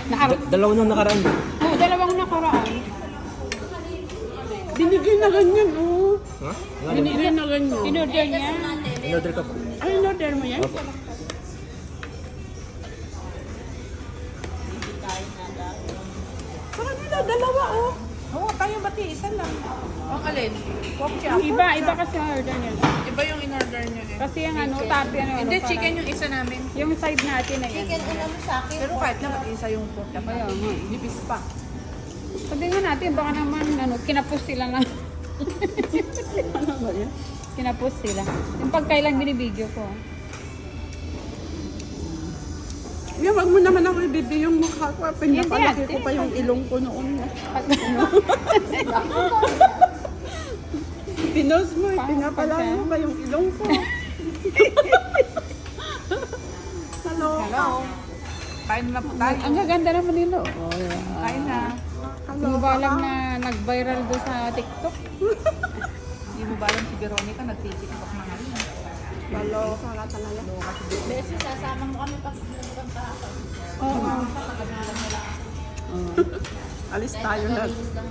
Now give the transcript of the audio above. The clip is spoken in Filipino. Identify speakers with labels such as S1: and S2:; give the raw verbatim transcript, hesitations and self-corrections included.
S1: Nakar
S2: Dalawa nang nakaraan.
S1: oh, dalawang nakaraan.
S3: Binigay na ganyan, oh.
S2: Ha?
S3: Binigay na ganyan.
S1: In-order niya.
S2: In-order ka po.
S3: Ay, in-order mo yan?
S2: Opo.
S3: Sa kanila, dalawa, oh.
S4: Oo, tayo bati, isa lang. Ang alin? Pork chop.
S1: Ang iba, iba kasi ang order niya.
S4: Iba yung in-order nyo eh.
S1: Kasi yung ano, tapi ano.
S4: Hindi,
S1: ano,
S4: chicken
S1: parang-
S4: yung isa namin.
S1: Yung side natin na yan.
S5: Chicken ulam sa akin.
S4: Pero kahit naman isa yung pork chop.
S1: Kaya nga.
S4: Nipis pa.
S1: Sabihin natin, baka naman ano, kinapos sila lang.
S3: Ano ba yan?
S1: Kinapos sila. Yung pagkailang binibideo ko.
S3: Yan, wag mo naman ako ibibigay yung mukha ko. Pinapalaki
S1: Hindi,
S3: ko pa yung ilong ko noon.
S1: Pag,
S3: Pinos mo, eh, pinapalaki mo pa yung ilong ko. Hello.
S4: Hello. Kain na po tayo.
S1: ang gaganda naman nila. Oh, yeah.
S4: Kain na.
S3: Hello.
S1: Hindi ba alam na nag-viral doon sa TikTok?
S4: Hindi mo ba alam si Veronica nag-tiktok na ngayon?
S3: Hello. Kala talaga.
S5: Beses, sasama mo kami pag pagkahapon.
S1: Oo.
S3: Alis tayo na.
S5: Malinis lang